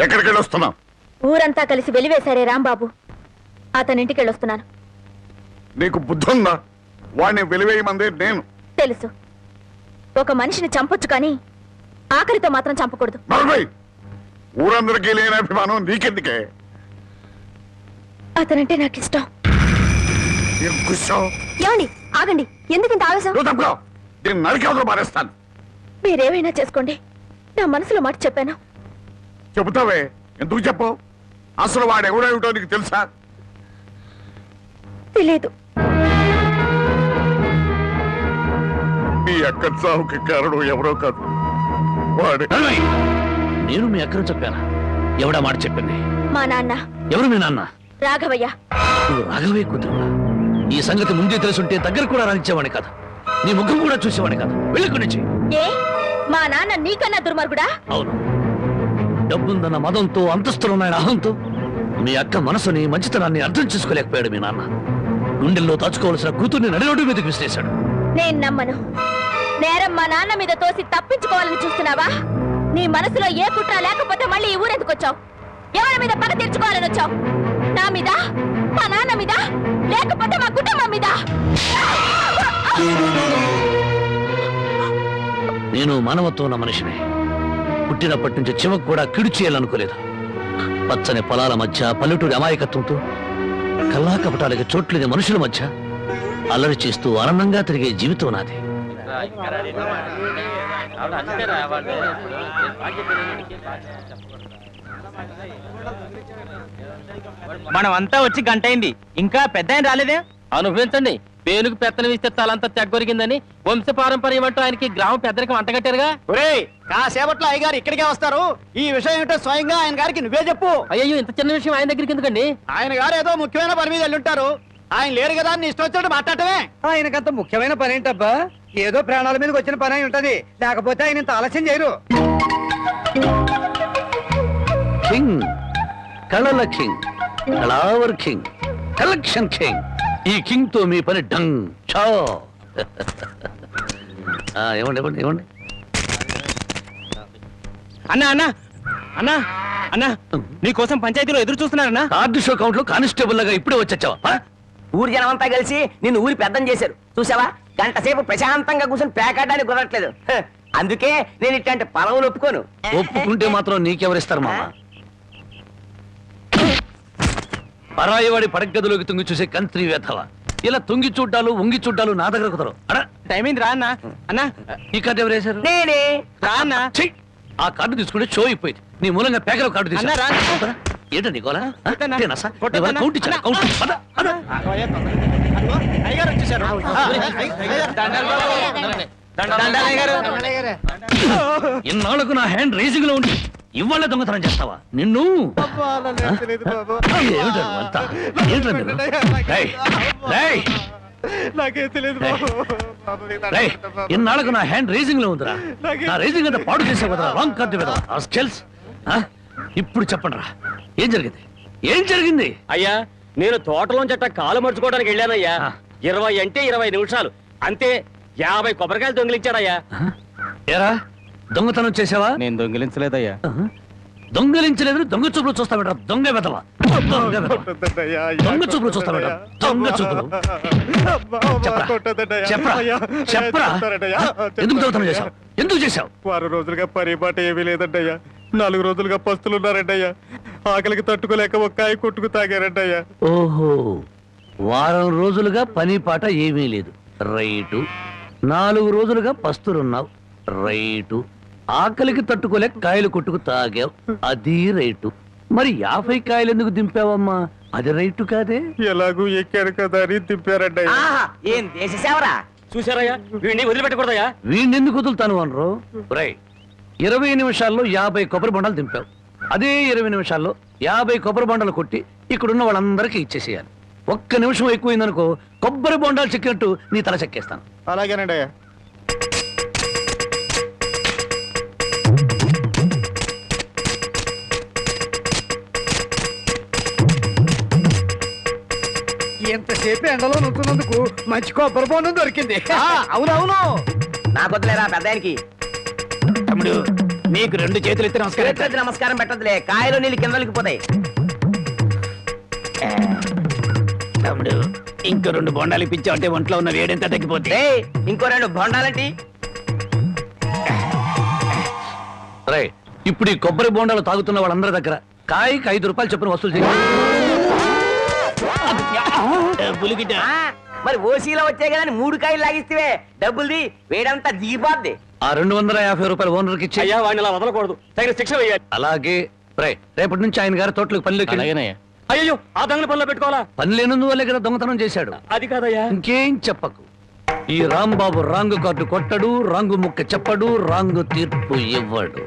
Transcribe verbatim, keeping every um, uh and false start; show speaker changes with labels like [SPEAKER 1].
[SPEAKER 1] ఎక్కడికి వెళ్ళొస్తున్నావు?
[SPEAKER 2] ఊరంతా కలిసి వెలివేశారే రాంబాబు, అతనింటికి వెళ్ళొస్తున్నాను.
[SPEAKER 1] నీకు బుద్ధి ఉందా? వాడిని వెలివేయమంది నేను.
[SPEAKER 2] తెలుసు, ఒక మనిషిని చంపొచ్చు కానీ ఆఖరితో మాత్రం చంపకూడదు.
[SPEAKER 1] ఊరందరికీ లేని అభిమానం నీకెందుకే?
[SPEAKER 2] అతనంటే నాకు ఇష్టం. ఏమండి ఆగండి, ఎందుకు ఇంత ఆవేశం?
[SPEAKER 1] నరికేవతలు మారేస్తాను.
[SPEAKER 2] మీరేమైనా చేసుకోండి, నా మనసులో మాట చెప్పాను.
[SPEAKER 1] చెబుతావే, ఎందుకు చెప్పు? అసలు వాడు ఎవడేమిటో నీకు తెలుసా?
[SPEAKER 2] తెలీదు.
[SPEAKER 1] మీ అక్క చావుకి కారణం ఎవరో కాదు, వాడే.
[SPEAKER 3] నేను మీ అక్కను చెప్పానా? ఎవడా మాట చెప్పింది?
[SPEAKER 2] మా నాన్న.
[SPEAKER 3] ఎవరు మీ నాన్న?
[SPEAKER 2] రాఘవయ్య.
[SPEAKER 3] నువ్వు రాఘవయ్య కూతురువా? ఈ సంగతి ముందే తెలుసుంటే దగ్గర కూడా రానిచ్చేవాడి కాదు, నీ ముఖం కూడా చూసేవాడి కాదు. వెళ్ళి నుంచి.
[SPEAKER 2] ఏ మా నాన్న నీకన్నా దుర్మార్గుడా?
[SPEAKER 3] అవును, డబ్బుందన్న మదంతో, అంతస్తులున్నాయన అహంతో మీ అక్క మనసుని, మంచితనాన్ని అర్థం చేసుకోలేకపోయాడు మీ నాన్న. గుండెల్లో దాచుకోవాల్సిన కూతుర్ని నడిరోడ్డు మీదకి విసిరేశాడు.
[SPEAKER 2] నేను నమ్మను. నేరం మా నాన్న మీద తోసి తప్పించుకోవాలని చూస్తున్నావా? నీ మనసులో ఏ కుట్ర లేకపోతే మళ్ళీ ఈ ఊరెందుకు వచ్చావు? ఎవరి మీద పగ తీర్చుకోవాలని వచ్చావు? నా మీద, మా నాన్న మీద, లేకపోతే మా కుటుంబం మీద?
[SPEAKER 3] నేను మానవత్వం ఉన్న మనిషిని. పుట్టినప్పటి నుంచి చివకు కూడా కిడు చేయాలనుకోలేదు. పచ్చని పొలాల మధ్య, పల్లెటూరి అమాయకత్వంతో, కల్లా కపటాలకి చోట్లేని మనుషుల మధ్య అల్లరి చేస్తూ ఆనందంగా తిరిగే జీవితం నాది.
[SPEAKER 4] మనమంతా వచ్చి గంట అయింది, ఇంకా పెద్ద ఆయన రాలేదే?
[SPEAKER 5] అనుభవించండి. పేనుకు పెత్తనం ఇస్తే తలంతా తెగ్గొరిగిందని వంశ పారంపర్యం అంటూ ఆయనకి గ్రామ పెద్దరికి వంటగట్టారుగా.
[SPEAKER 4] ఒరేయ్, కాసేపట్లో అయ్యగారు ఇక్కడికే వస్తారు. ఈ విషయం ఏంటో స్వయంగా ఆయన గారికి నువ్వే చెప్పు.
[SPEAKER 5] అయ్యో, ఇంత చిన్న విషయం ఆయన దగ్గరికి ఎందుకండి?
[SPEAKER 4] ఆయన గారు ఏదో ముఖ్యమైన పని మీద వెళ్ళుంటారు. ఆయన లేరు కదా అని ఇష్టం వచ్చినట్టు మాట్లాడటమే.
[SPEAKER 6] ఆయనకంత ముఖ్యమైన పని ఏంటబ్బా? ఏదో ప్రాణాల మీదకి వచ్చిన పని అయి ఉంటది, లేకపోతే ఆయన ఇంత ఆలస్యం చేయరు.
[SPEAKER 3] కింగ్, కళల కింగ్, కళావర్ కింగ్, కలెక్షన్ కింగ్. ఈ కింగ్ తో మీ పని డంగ్ చో. ఏమండి ఏమండి ఏమండి
[SPEAKER 4] అన్నా అన్నా అన్నా అన్నా నీకోసం పంచాయతీలో ఎదురు చూస్తున్నారన్నా.
[SPEAKER 3] కార్డు షో కౌంట్ లో కానిస్టేబుల్ లాగా ఇప్పుడే వచ్చావా?
[SPEAKER 7] ఊరి జనమంతా కలిసి నిన్ను ఊరి పెద్దం చేశారు చూసావా? గంట సేపు ప్రశాంతంగా కూర్చొని పేకాడడానికి కుదరట్లేదు. అందుకే నేను ఇట్లాంటి పొలవులు ఒప్పుకోను.
[SPEAKER 3] ఒప్పుకుంటే మాత్రం నీకెవరిస్తారు మామ? పరాయివాడి పడగదిలోకి తుంగి చూసే కంత్రి వేధవ. ఇలా తుంగి చూడ్డాలు, ఉంగి చూడ్డాలు నా దగ్గర కుదరవు. అడా
[SPEAKER 4] టైం అయింది రా అన్నా. అన్నా,
[SPEAKER 3] ఈ కార్డు ఎవరు వేశారు?
[SPEAKER 7] నేనే.
[SPEAKER 4] రా అన్నా.
[SPEAKER 3] ఆ కార్డు తీసుకుంటే షో అయిపోయింది. నీ మూలంగా పేకల కార్డు తీసుకున్నా. ఏంటండి గోలా? కౌంట్ ఇచ్చాను.
[SPEAKER 4] అయ్యగారు వచ్చేసారు.
[SPEAKER 3] ఇన్నాళ్లకు నా హ్యాండ్ రేసింగ్ లో ఉండి ఇవాళ దొంగతనం చేస్తావా? నిన్ను ఇన్నాళ్లకు నా హ్యాండ్ రేసింగ్ లో ఉందిరా. నా రేసింగ్ అంతా పాడు చేసే కదా రాంగ్ కార్డు కదా. ఇప్పుడు చెప్పండి రా, ఏం జరిగింది? ఏం జరిగింది?
[SPEAKER 5] అయ్యా, నేను తోటలోంచట కాలు మర్చుకోవడానికి వెళ్ళానయ్యా. ఇరవై అంటే ఇరవై నిమిషాలు అంతే. యాభై కొబ్బరికాయలు దొంగిలించాడయ్యా.
[SPEAKER 3] ఏరా, దొంగతనం చేసావా?
[SPEAKER 4] నేను దొంగిలించలేదయ్యా.
[SPEAKER 3] దొంగలించలేదు, దొంగ చూపులు చూస్తా బెట. దొంగ వెదవా, దొంగ చూపులు చూస్తా బెట. దొంగ చూపులు. చెప్పరా చెప్పరా ఎందుకు దొంగతనం చేశావు? ఎందుకు చేశావు?
[SPEAKER 4] వారం రోజులుగా పరిపాట ఏమీ లేదంటయ్యా. నాలుగు రోజులుగా పస్తులున్నారంటయ్యా. ఆకలికి తట్టుకోలేక ఒక్కాయి కొట్టుకు తాగారంటయ్యా.
[SPEAKER 3] ఓహో, వారం రోజులుగా పని పాట ఏమీ లేదు. రైటు. నాలుగు రోజులుగా పస్తులున్నావు. రైటు. ఆకలికి తట్టుకోలేక కాయలు కొట్టుకు తాగావు. అది రైటు. మరి యాభై కాయలు ఎందుకు దింపావమ్మా? అది రైటు కాదే.
[SPEAKER 4] ఎలాగూ ఎక్కారు కదా అని దింపారంటయ్యా.
[SPEAKER 7] ఏం దేశ సేవరా?
[SPEAKER 5] చూసారయ్యా, వీడిని వదిలిపెట్టకూడదయ్యా.
[SPEAKER 3] వీడిని ఎందుకు వదులుతాను అనరు? రై, ఇరవై నిమిషాల్లో యాభై కొబ్బరి బొండాలు దింపావు. అదే ఇరవై నిమిషాల్లో యాభై కొబ్బరి బొండాలు కొట్టి ఇక్కడున్న వాళ్ళందరికీ ఇచ్చేసేయాలి. ఒక్క నిమిషం ఎక్కువైందనుకో, కొబ్బరి బొండాలు చెక్కినట్టు నీ తల చెక్కేస్తాను.
[SPEAKER 4] అలాగేనండి అయ్యా.
[SPEAKER 6] ఎంతసేపు ఎండలో నుంచున్నందుకు మంచి కొబ్బరి బొండం దొరికింది.
[SPEAKER 7] అవునవును, నాకొద్దులేరా పెద్దానికి.
[SPEAKER 3] తమ్ముడు, మీకు రెండు చేతులు ఎత్తి నమస్కారం
[SPEAKER 7] చేతులెత్తి నమస్కారం పెట్టదులే, కాయలు నీళ్ళు కిందలకి పోతాయి.
[SPEAKER 3] తమ్ముడు ఇంకో రెండు బొండాలు ఇప్పించావు అంటే ఒంట్లో ఉన్న వేడెంత తగ్గిపోతే.
[SPEAKER 7] ఏయ్, ఇంకో రెండు బొండాలంటి.
[SPEAKER 3] రే ఇప్పుడు ఈ కొబ్బరి బొండాలు తాగుతున్న వాళ్ళందరి దగ్గర కాయకి ఐదు రూపాయలు చొప్పున వసూలు చేయాలి.
[SPEAKER 7] ఆ, మరి ఓసీలో వచ్చాయి కదా అని మూడు కాయలు లాగిస్తే డబ్బుల్ది వేడంతా దిగిపోద్ది.
[SPEAKER 3] ఆ రెండు వందల యాభై రూపాయలు ఓనర్కి ఇచ్చి.
[SPEAKER 5] అయ్యా వాడిని అలా వదలకూడదు, తగిన శిక్ష వేయాలి.
[SPEAKER 3] అలాగే రే రేపటి నుంచి ఆయన గారి తోటలకు పనిలోకి.
[SPEAKER 5] అయ్యో ఆ దొంగల పనిలో పెట్టుకోవాలా?
[SPEAKER 3] పని లేనందువల్లే కదా దొంగతనం చేశాడు.
[SPEAKER 5] అది కాదయ్యా.
[SPEAKER 3] ఇంకేం చెప్పకు. ఈ రాంబాబు రాంగు కార్డు కొట్టడు, రాంగు ముక్క చెప్పడు, రాంగు తీర్పు ఇవ్వడు.